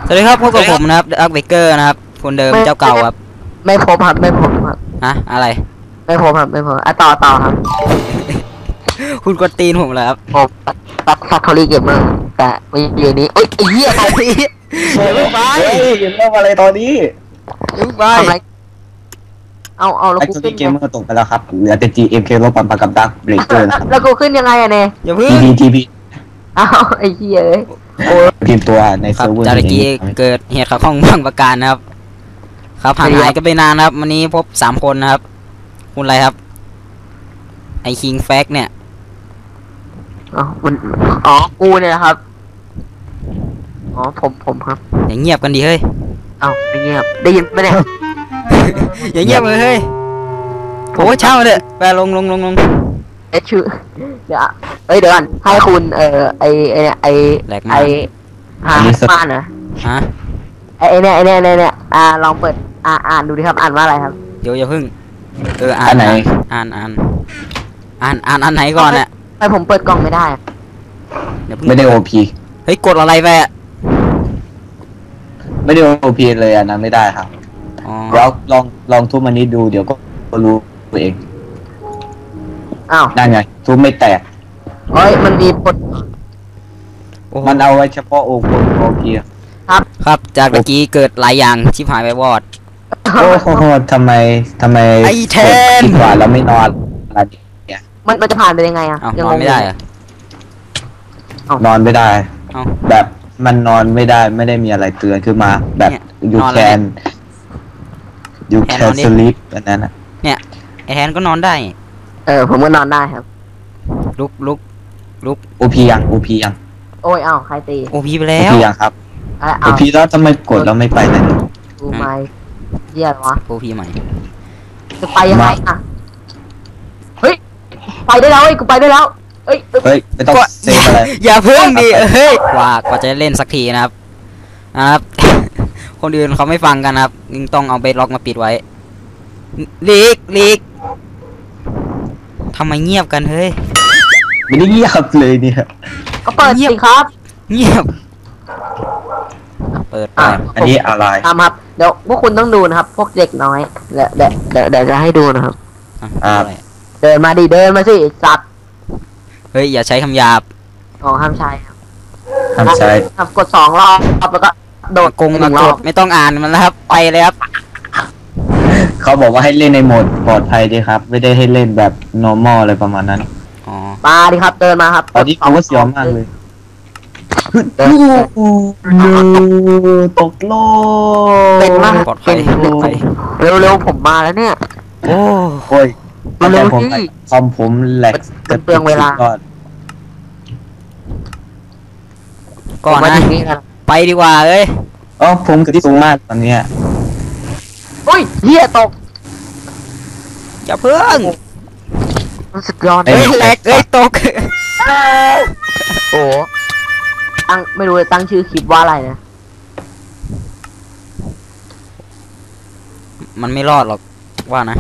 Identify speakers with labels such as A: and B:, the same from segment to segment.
A: สวัสดีครับพบกับผมนะครับอักเบเกอร์นะครับคนเดิมเจ้าเก่าครับ
B: ไม่พบครับไม่พบครับ
A: ฮะอะไร
B: ไม่พบครับไม่พบต่อครับ
A: คุณกดตีนผมเหรอครับ
B: ผมตัดซัคคอรี่เกมเมอร์แต่ไม่อยู่นี้เอ้ยไอ้เหี้ยใครพี่
A: อย่าเพิ่งไป
C: เฮ้ยเริ่มอะไรตอนนี้
A: อย่าเพิ่งไป
B: ทำไรเอาแล้ว
C: ไอ้
B: กู
C: ตัว
B: ขึ้
C: นี้
B: น
C: เกมเมอร์ตกไปแล้วครับเหลือแต่ GMK ลบปันปากกับดักเบรกเกอร์นะครับ
B: แล้วกูขึ้นยังไงอะเนี่ย
A: อย่าเพิ่ง
C: TP
B: อ้าวไอ้เหี้ยเอ้ยโอ้ย
C: พิมพ์ตัวใน
A: ครับ
C: เซิร์ฟเวอร์
A: จากเมื่อกี้เกิดเหตุขัดข้องบางประการนะครับครับห่างหายกันไปนานนะครับวันนี้พบ3 คนนะครับคุณอะไรครับไอคิงแฟกเนี่ย
B: อ๋อกูเนี่ยนะครับอ๋อผมครับ
A: อย่าเงียบกันดิเฮ้ย
B: เอ้าไม่เงียบได้ยินไหมเนี่ย
A: อย่าเงียบเลยเฮ้ยโอ้เช่าเลยไปลง
B: เอ๊ะชื่อเดี๋ยวเอ้ยเดี๋ยวก่อนให้คุณไอ
A: แหลก
B: ไอ
A: มาก
B: มานเหรอ
A: ฮะ
B: ไอเนี่ยลองเปิดอ่านดูดิครับอ่านว่าอะไรครับ
A: เดี๋ยวอย่าเพิ่งอ่า
C: อั
A: น
C: นไหน
A: อ่านอันไหนก่อนอ่ะ
B: ทำไมผมเปิดกล่องไม่ได้อะ
A: เดี๋ยวเพิ่ง
C: ไม่ได้ OP
A: เฮ้ยกดอะไรไปอ่ะ
C: ไม่ได้ OP เลยอันนั้นไม่ได้ครับ
A: อ๋อ
C: แล้วลองทุบมันนี้ดูเดี๋ยวก็รู้ตัวเอง
B: อ้าว
C: นั่นไงทุบไม่แตก
B: เฮ้ยมันมีกด
A: โอ้โห
C: มันเอาไว้เฉพาะ OP
A: ครับจากเมื่อกี้เกิดหลายอย่างชิบหายไปวอด
C: โอ้โหทำไม
A: ไอ้แทน
C: คิดว่าแล้วไม่นอนอะไรเนี่ย
B: มันจะผ่านไปยังไงอะ
A: เอ้า
B: ยั
A: นอนไม่ได้เหรอะ
C: นอนไม่ได้
A: เอ้า
C: แบบมันนอนไม่ได้ไม่ได้มีอะไรเตือนขึ้นมา แบบ
A: เนี่ย
C: you
A: นอนแล้ว
C: can you
A: แทน
C: can
A: นอนดิ
C: sleep อันนั้นอ่ะ
A: ไอแทนก็นอนได้
B: ผมก็นอนได้ครับ
A: ลุก
C: OP ยัง OP ยัง
B: โอ้ยอ้าวใครตี
A: โอพีไปแล้ว
C: OP ยังครับ
B: เอา
C: OP แล้วทำไมกดแล้วไม่ไปไหน
B: ดูไหมเหี้ยอะไรวะ
A: โอพีใหม่
B: จะไปยังไงอะเฮ้ยไปได้แล้วเฮ้ยกูไปได้แล้วเอ้ย
C: เฮ้ยไม่ต้องเซฟอะไร
A: อย่าเพิ่งดิเฮ้ยกว่าจะเล่นสักทีนะครับ คนอื่นเขาไม่ฟังกันนะครับยิ่งต้องเอาเบสล็อกมาปิดไว้ลีกทำไมเงียบกันเฮ้ย
C: ไม่ได้เงียบเลยเนี่ย
B: ก็เปิด
A: เงียบ
B: สิครับ
A: เงียบเปิดไป
C: อันนี้อะไร
B: ตามครับเดี๋ยวพวกคุณต้องดูนะครับ พวกเด็กน้อยเดี๋ยวจะให้ดูนะครับ
A: อะไร
B: เดินมาดิเดินมาสิสัตว์
A: เฮ้ยอย่าใช้คำหยาบ
B: อ๋อห้ามใช้ครับ
C: ทำใช้
B: ครับกด2 รอบแล้วก็โดด
A: กง
B: ห
A: มา
B: นึ่ง
A: ก
B: รอ
A: ด
B: บ
A: ไม่ต้องอ่านมันแล้วครับไปเลยครับ
C: เขาบอกว่าให้เล่นในโหมดปลอดภัยดีครับ ไม่ได้ให้เล่นแบบ normal อะไรประมาณนั้น
A: อ๋อ
B: มาดิครับเดินมาครับ
C: ตอนนี้เขาก็เสียวมากเลย
B: เดิน
C: ตกโลก
B: เป็นมาก
A: ปลอดภัยปลอดภัย
B: เร็วๆผมมาแล้วเนี่ย
A: โอ้
C: โอ้ย
B: เร็ว
C: ผม
B: สิ
C: คอมผมแหลก
B: มันเปลืองเวลา
A: ก่อน
B: ผมมา
A: นะ
B: ถึงนี่แล้ว
A: ไปดีกว่าเอ้ย
C: อ๋อผมกระสูงมากตอนเนี้ย
B: อุ้ยเหี้ยตก
A: อย่าเพิ่ง
B: มันสุดยอด
A: เฮ้ยแหลกเอ้ยตก
B: โอ้ไม่รู้จะตั้งชื่อคลิปว่าอะไรนะ
A: มันไม่รอดหรอกว่านะ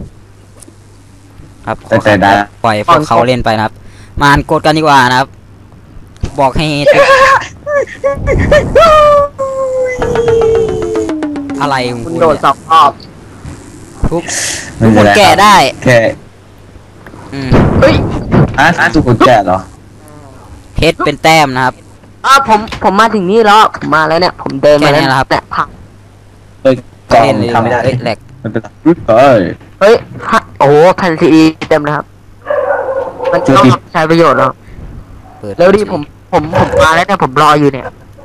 A: ครับขอ
C: แต่ได้
A: ปล่อยพวกเขาเล่นไปนะครับ มาอ่านกฎกันดีกว่านะครับ บอกให้อะไรของ
B: คุณ
A: คุณ
B: โดด
A: เนี่ย
B: 2 รอบ
A: ทุก
C: ไม่
A: ทุก
C: เป็
A: คน น
C: ไร
A: แก่ได้
C: แค่
A: อืม
B: เฮ้ย
C: ทุกคนแก่เหรอ
A: เพชรเป็นแต้มนะครับ
B: ผมมาถึงนี่แล้วผมมาแล้วเนี่ยผมเดินมาแล้ว
A: แค่นี้เหรอครับ
B: เนี่ยผัก
C: กล่อง
A: เล่นเลย
C: ทำไม่ได้
A: เอ้ยแหลก
C: ไม่เป็นไรเฮ้ย
B: เฮ้ยโอ้โหแผ่นซีดีเต็มนะครับ มันต้องใช้ประโยชน์แล้ว
A: เปิด
B: แล้วดิผมมาแล้วเนี่ยผมรออยู่เนี่ย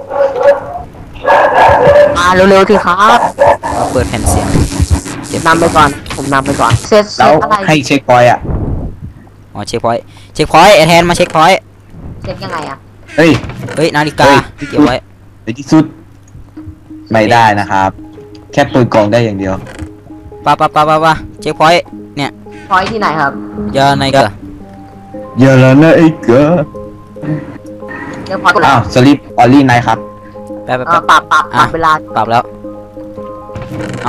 B: มาเร็วๆสิครับ
A: เปิดแผ่นเสียงเก็บ
B: นำไปก่อนผมนำไปก่อนเซต
C: แล้ว
B: อะไร
C: ให้เช็คพอยต์อ่ะ
A: อ๋อเช็คพอยต์ไอแทนมาเช็คพอยต์
B: เซตยังไงอะ
C: เฮ้ย
A: เฮ้ยนาฬิกา
C: เฮ้ย
A: ที่เก็บไว้
C: ในที่สุด ไม่ได้นะครับ แค่เปิดกล่องได้อย่างเดียว
A: ปะเช็คพอยต์เนี่ย
B: พอยที่ไหนครับ
A: อย่าในกระ
C: อย่าละนะไอ้เก๋
B: เดี๋ยวพอย
C: อ้าวสลิปออลลี่ไนครับ
A: แป๊บ
B: ปรับเวลา
A: ปรับแล้วเอา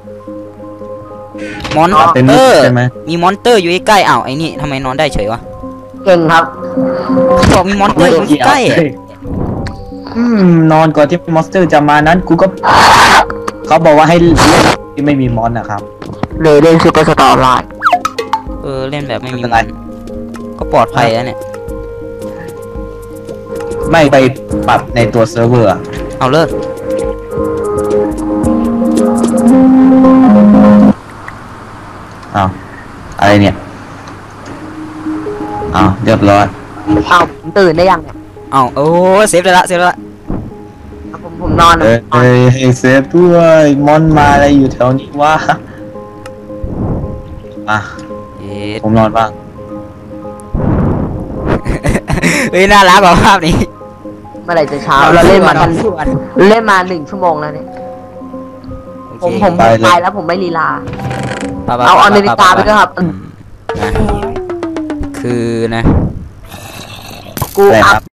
A: มอน
C: เป็น
A: เต
C: มุ
A: อก ร์
C: ใช่ไหม
A: มีมอนเตอร์อยู่ใกล้ๆอ้าวไอ้นี่ทำไมนอนได้เฉยวะ
B: เก่งครับ
A: เขาบอกมีมอนเตอร์อยู่ใกล้ๆอะ
C: นอนก่อนที่มอนสเตอร์จะมานั้นกูก็เขาบอกว่าให้เล่นที่ไม่มีมอนนะครับ
B: เลยเล่นซูเปอร์สตาร์ไลน์
A: เล่นแบบไม่มี
C: ไม่เป็นไร
A: ก็ปลอดภัยแล้วเนี่ย
C: ไม่ไปปรับในตัวเซิร์ฟเวอร์อะ
A: เอาเลิก
C: อ้าวอะไรเนี่ยอ้าวเรียบร้อย
B: เอาผมตื่นได้ยังเนี่ย
A: เอาโอ้เซฟได้ละเซฟได้ละ
B: ผมนอน
C: เอ้ยให้เซฟด้วยมอนมาอะไรอยู่แถวนี้วะอ่ะ
A: เย็ด
C: ผมนอนบ้าง
A: เฮ้ยน่ารักกว่าภาพนี้
B: เมื่อไหร่จะเช้าเราเล่นมากันเล่นมา1 ชั่วโมงแล้วเนี่ย
A: โอ
B: ผม
A: เค
B: ผม
C: ไปเลย
B: ไปแล้วผมไม่ลีลา
A: ไปๆๆๆ
B: เอานาฬิกาไปด้วยครับ
A: นะคือนะ
B: กู
C: อะไร
B: อั
C: ครั
B: พ
C: บ